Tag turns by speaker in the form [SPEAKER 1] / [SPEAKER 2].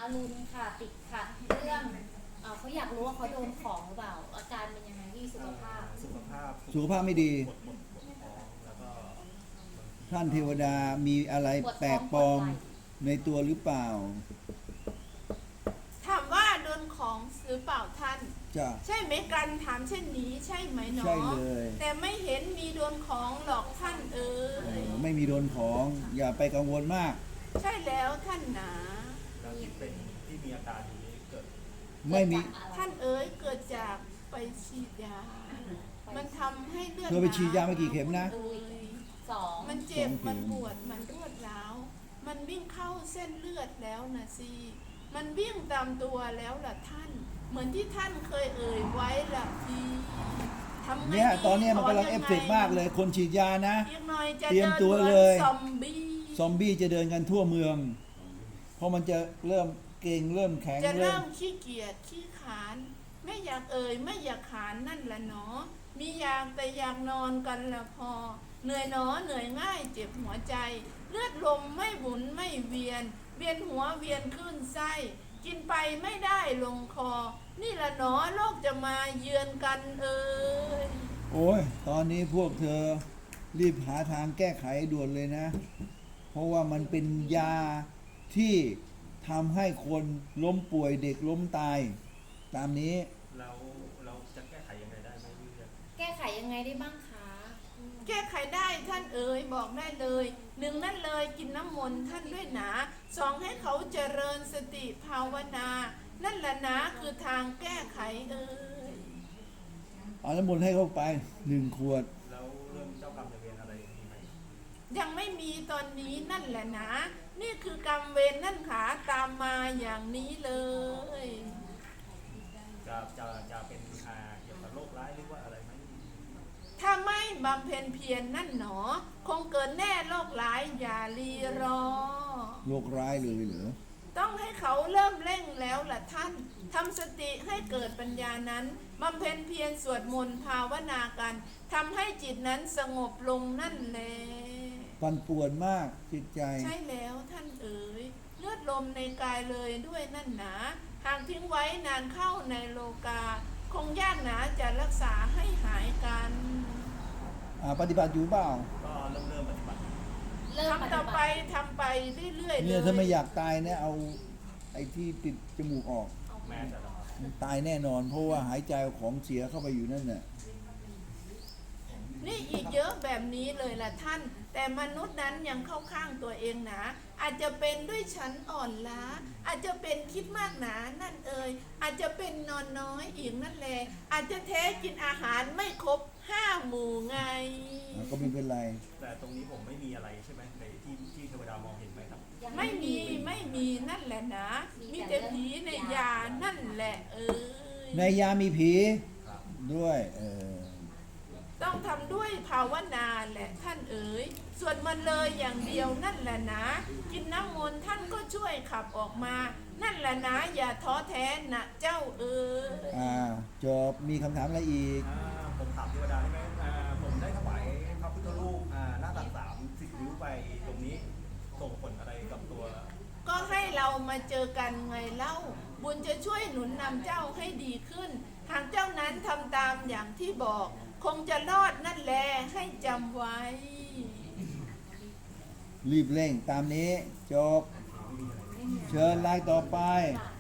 [SPEAKER 1] รุณค่ะติดขัดเรื่องเขาอยากรู้ว่าเขาโดนของหรือเปล่าอาการเป็นยังไงที่สุขภาพ
[SPEAKER 2] สุขภาพไม่ดี
[SPEAKER 3] แล้วก็
[SPEAKER 2] ท่านเทวดามีอะไรแปลกปลอมในตัวหรือเปล่า
[SPEAKER 4] ถามว่าโดนของหรือเปล่าท่าน
[SPEAKER 2] จ้ะ
[SPEAKER 4] ใช่ไหมกันถามเช่นนี้ใช่ไหมหนอ
[SPEAKER 2] ใช่เลย
[SPEAKER 4] แต่ไม่เห็นมีโดนของหรอกท่าน
[SPEAKER 2] ไม่มีโดนของอย่าไปกังวลมาก
[SPEAKER 4] ใช่แล้วท่านหนา
[SPEAKER 3] แล้วที่เป็นที่มีอาการอยู่นี้เกิด
[SPEAKER 2] ไม่มี
[SPEAKER 4] ท่านเกิดจากไปฉีดยามันทำให้เลือด
[SPEAKER 2] เธอไปฉีดยามากี่เข็มนะ
[SPEAKER 1] 2
[SPEAKER 4] มันเจ็บมันปวดมันรวดร้าวมันวิ่งเข้าเส้นเลือดแล้วนะสิมันวิ่งตามตัวแล้วล่ะท่านเหมือนที่ท่านเคยไว้ล่ะพี่ทำไง
[SPEAKER 2] เนี่ยตอนนี้มันกำลังเอฟเฟกต์มากเลยคนฉีดยานะเตรียมตัว
[SPEAKER 4] เล
[SPEAKER 2] ย
[SPEAKER 4] ซอมบี้
[SPEAKER 2] จะเดินกันทั่วเมืองเพราะมันจะเริ่มเก่งเริ่มแข็ง
[SPEAKER 4] จะเริ่มขี้เกียจขี้ขานไม่อยากไม่อยากขานนั่นละเนาะมีอยากแต่อยากนอนกันละพอเหนื่อยหนอเหนื่อยง่ายเจ็บหัวใจเลือดลมไม่หมุนไม่เวียนหัวเวียนขึ้นไส้กินไปไม่ได้ลงคอนี่ละหนอโรคจะมาเยือนกัน
[SPEAKER 2] โอ้ยตอนนี้พวกเธอรีบหาทางแก้ไขด่วนเลยนะเพราะว่ามันเป็นยาที่ทำให้คนล้มป่วยเด็กล้มตายตามนี้
[SPEAKER 3] เราจะแก้ไขยังไงได้ไหมพี่
[SPEAKER 1] แก้ไขยังไงได้บ้างคะ
[SPEAKER 4] แก้ไขได้ท่านบอกได้เลย1นั่นเลยกินน้ำมนต์ท่านด้วยนะ2ให้เขาเจริญสติภาวนานั่นแหละนะคือทางแก้ไข
[SPEAKER 2] เอาน้ำมนต์ให้เข้าไป1 ขวด
[SPEAKER 3] แล้วเรื่องเจ้ากรรมนายเวรอะไรมีไหม
[SPEAKER 4] ยังไม่มีตอนนี้นั่นแหละนะนี่คือกรรมเวรนั่นขาตามมาอย่างนี้เลย
[SPEAKER 3] จะเป็นเกี่ยวกับโรคร้ายหรือว่าอะไรไหม
[SPEAKER 4] ถ้าไม่บำเพ็ญเพียรนั่นหนอคงเกิดแน่โรคร้ายอย่ารีรอ
[SPEAKER 2] โรคร้ายเลยเหรอ
[SPEAKER 4] ต้องให้เขาเริ่มเร่งแล้วล่ะท่านทำสติให้เกิดปัญญานั้นบำเพ็ญเพียรสวดมนต์ภาวนากันทำให้จิตนั้นสงบลงนั่นแหละ
[SPEAKER 2] ปั่นป่วนมากจิตใจ
[SPEAKER 4] ใช่แล้วท่านเลือดลมในกายเลยด้วยนั่นหนาหากทิ้งไว้นานเข้าในโลกาคงยากหนาจะรักษาให้หายกัน
[SPEAKER 2] ปฏิบัติอยู่เปล่า
[SPEAKER 3] ก็เริ่มปฏิบัติ
[SPEAKER 4] ทำต่อไปทำไปเรื่อยๆ
[SPEAKER 2] เนี่ยถ้าไม่อยากตายเนี่ยเอาไอ้ที่ปิดจมูกออก
[SPEAKER 3] แม้จะ
[SPEAKER 2] ตายแน่นอนเพราะว่าหายใจของเสียเข้าไปอยู่นั่นน่ะ
[SPEAKER 4] นี่อีกเยอะแบบนี้เลยล่ะท่านแต่มนุษย์นั้นยังเข้าข้างตัวเองนะอาจจะเป็นด้วยชั้นอ่อนล้าอาจจะเป็นคิดมากหนานั่นอาจจะเป็นนอนน้อยอีกนั่นแหละอาจจะแท้กินอาหารไม่ครบ5 หมู่ไง
[SPEAKER 2] ก็ไม่เป็นไร
[SPEAKER 3] แต่ตรงนี้ผมไม่มีอะไรใช่ไหมในที่เทวดามองเห็นไหมครับ
[SPEAKER 4] ไม่มีนั่นแหละนะมีแต่ผีในยานั่นแหละ
[SPEAKER 2] ในยามีผีด้วย
[SPEAKER 4] ต้องทำด้วยภาวนาแหละท่านสวดมันเลยอย่างเดียวนั่นแหละนะกินน้ำมนต์ท่านก็ช่วยขับออกมานั่นแหละนะอย่าท้อแท้นะเจ้า
[SPEAKER 2] จบมีคำถามอะไรอีก
[SPEAKER 3] ผมถามเทวดาได้ไหมผมได้ถวายพระพุทธรูปหน้าตัก30 นิ้วไปตรงนี้ส่งผลอะไรกับตัว
[SPEAKER 4] ก็ให้เรามาเจอกันไงเล่าบุญจะช่วยหนุนนำเจ้าให้ดีขึ้นหากเจ้านั้นทำตามอย่างที่บอกคงจะรอดนั่นแหละให้จำไว้
[SPEAKER 2] รีบเร่งตามนี้จบเชิญรายต่อไป